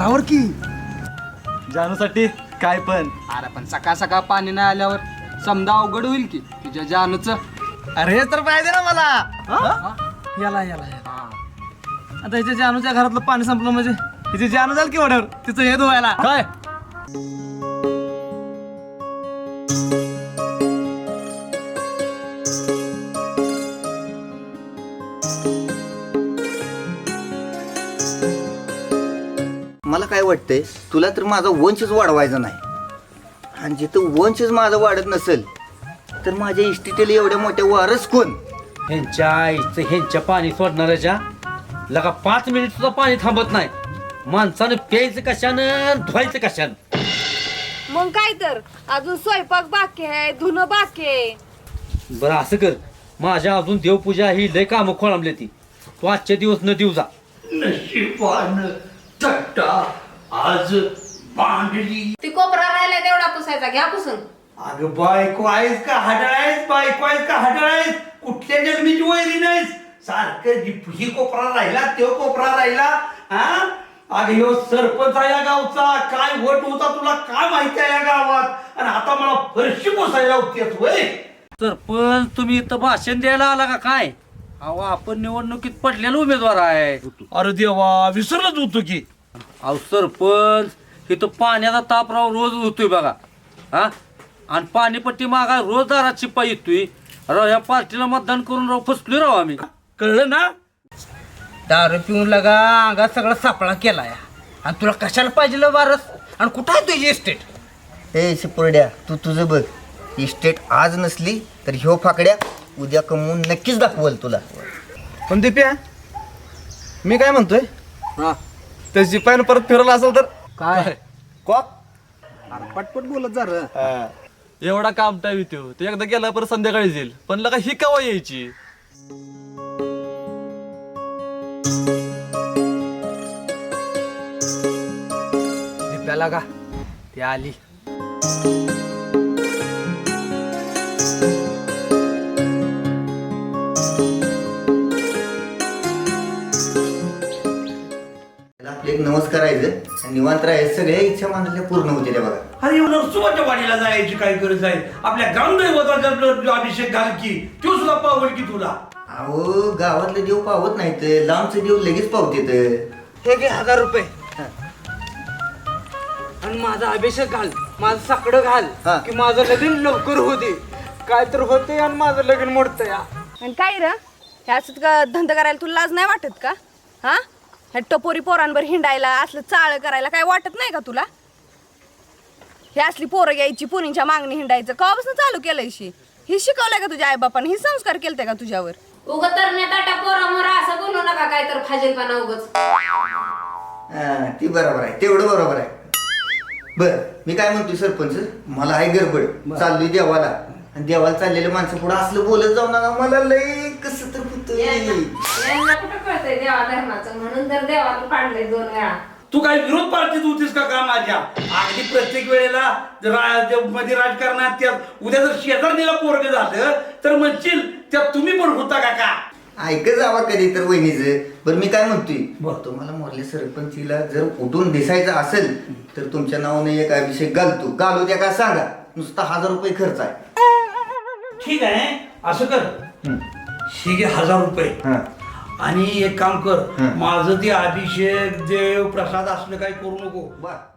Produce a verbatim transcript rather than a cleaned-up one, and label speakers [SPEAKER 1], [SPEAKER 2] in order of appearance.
[SPEAKER 1] आवर की
[SPEAKER 2] जानूसाठी काय पण.
[SPEAKER 3] अरे पण सकाळ सकाळ पाणी नाही आल्यावर समजा अवघड होईल की तुझ्या जानूच.
[SPEAKER 2] अरे हे तर पाहिजे ना मला. हा? याला याला याला. आता हिच्या जानूच्या घरातलं पाणी संपलं म्हणजे हिची जानू जाईल की वड्यावर तिचं हे धुवायला काय.
[SPEAKER 1] मला काय वाटतंय तुला तर माझा वंशच वाढवायचा नाही आणि जिथं वंशच माझा वाढत नसेल तर माझ्या इस्टेटीला एवढ्या मोठ्या वारस कोण.
[SPEAKER 4] ह्यांच्या आईचं ह्यांच्या पाणी सोडणाऱ्याच्या लगा पाच मिनिट सुद्धा पाणी थांबत नाही. माणसानं प्यायचं कशानं धुवायचं कशानं.
[SPEAKER 5] मग काय तर अजून स्वयंपाक बाकी आहे धुणं बाकी आहे.
[SPEAKER 4] बरं असं कर, माझ्या अजून देवपूजा ही लय कामं खोळंबली ती. तू आजचे दिवस न देऊ जा.
[SPEAKER 6] नशिबान चट्टा आज बांधली.
[SPEAKER 5] ती कोपरा राहिला तेवढा पुसायचा घ्या पुसून.
[SPEAKER 6] अगं बायको आहेस का हडळ आहेस, बायको आहेस का हडळ आहेस, कुठल्या जन्मीची वैरी नाहीस. सारखं जी- ही कोपरा राहिला तो कोपरा राहिला. हा अगं ह्यो सरपंच आहे या गावचा, काय वट होता तुला काय माहिती आहे या गावात, आणि आता मला फरशी पोसायला होतीस वय.
[SPEAKER 4] सरपंच तुम्ही इथं भाषण द्यायला आला का काय? अहो आपण निवडणुकीत पडलेला उमेदवार आहे.
[SPEAKER 2] अरे देवा विसरलंच होतो की.
[SPEAKER 4] अहो सरपंच इथं पाण्याचा ताप राव रोज होतोय बघा. हा आणि पाणीपट्टी मागा रोज दारात शिपाई येतोय. राव ह्या पार्टीला मतदान करून राव फसलोय राव आम्ही.
[SPEAKER 2] कळलं ना.
[SPEAKER 3] दारू पिऊन लगा अंगात सगळा सापळा केलाय आणि तुला कशाला पाहिजे वारस आणि कुठं आहे तुझी इस्टेट.
[SPEAKER 1] ए शिपुर्ड्या तू तुझं बघ. इस्टेट आज नसली तर ह्यो फाकड्या उद्या कमवून नक्कीच दाखवल तुला.
[SPEAKER 2] पण दिप्या मी काय म्हणतोय
[SPEAKER 3] हा
[SPEAKER 2] त्या शिपाईनं परत फिरवलं असेल तर
[SPEAKER 3] काय
[SPEAKER 2] कॉक
[SPEAKER 3] पटपट बोलत जा रे.
[SPEAKER 2] एवढा काम टाईम येतो ते एकदा गेला परत संध्याकाळी येईल. पण लगा ही केव्हा यायची.
[SPEAKER 3] दिप्याला का ती आली.
[SPEAKER 1] आपले एक नमस्कार करायचं आणि निवांत राहायचं. सगळ्या इच्छा मानल्या पूर्ण होतील बघा.
[SPEAKER 6] अरे नरसोबाच्या वाडीला जायची काय गरज आहे, आपल्या ग्रामदैवताचा अभिषेक घाल की तो सुद्धा पावल की तुला.
[SPEAKER 1] अहो गावातले देव पावत नाहीत, लांबचे देव लगेच पावतेत.
[SPEAKER 3] हे घे हजार रुपये आणि माझा अभिषेक घाल, माझं साकडं घाल
[SPEAKER 1] हा.
[SPEAKER 3] की माझं लगीन लवकर होते. काय तर होते आणि माझं लगीन मोडतं या.
[SPEAKER 5] आणि काय र ह्याच का धंदा करायला तुला लाज नाही वाटत का? हा ह्या टपोरी पोरांवर हिंडायला असलं चाळ करायला काय वाटत नाही का तुला? हे असली पोरं घ्यायची पुरींच्या मागणी हिंडायचं कवापासून चालू केलंय शी? ही शिकवलंय का तुझ्या आईबापाने? ही संस्कार केलते का तुझ्यावर?
[SPEAKER 7] उगत तर नेता पोरा मोरा असं बोलू नका काय तर फाजीलपणा उगच.
[SPEAKER 1] हा, ती बरोबर आहे, तेवढं बरोबर आहे. बर मी काय म्हणतोय सरपंच, मला आहे गडबड, चाललोय देवाला. आणि देवाला चाललेल्या माणसं पुढे असलं बोलत जाऊ नका, मला लई कसं तर होतंय.
[SPEAKER 7] यांना कुठं कळतंय देवा धर्माचं, म्हणून तर देवाला पाडलंय दोन वेळा.
[SPEAKER 6] तू काय विरोध पार्टीत होतीस का का माझ्या? अगदी प्रत्येक वेळेला रा- जे मध्ये राजकारणात त्यात उद्या जर शेजारणीला पोरग झालं तर म्हणशील त्यात तुम्ही पण होता का का?
[SPEAKER 1] ऐक जावा कधी तर वहिनीचं. बरं मी काय म्हणतोय, तुम्हाला मोरल्या सरपंचीला जर उठून दिसायचं असेल तर तुमच्या नावाने एक अभिषेक घालतो. घालू द्या का सांगा, नुसता हजार रुपये खर्च आहे.
[SPEAKER 6] ठीक आहे असं कर, ही घे हजार रुपये.
[SPEAKER 1] हा.
[SPEAKER 6] आणि एक काम कर,
[SPEAKER 1] हं.
[SPEAKER 6] माझं ते अभिषेक देव प्रसाद असलं काही करू नको.
[SPEAKER 1] बर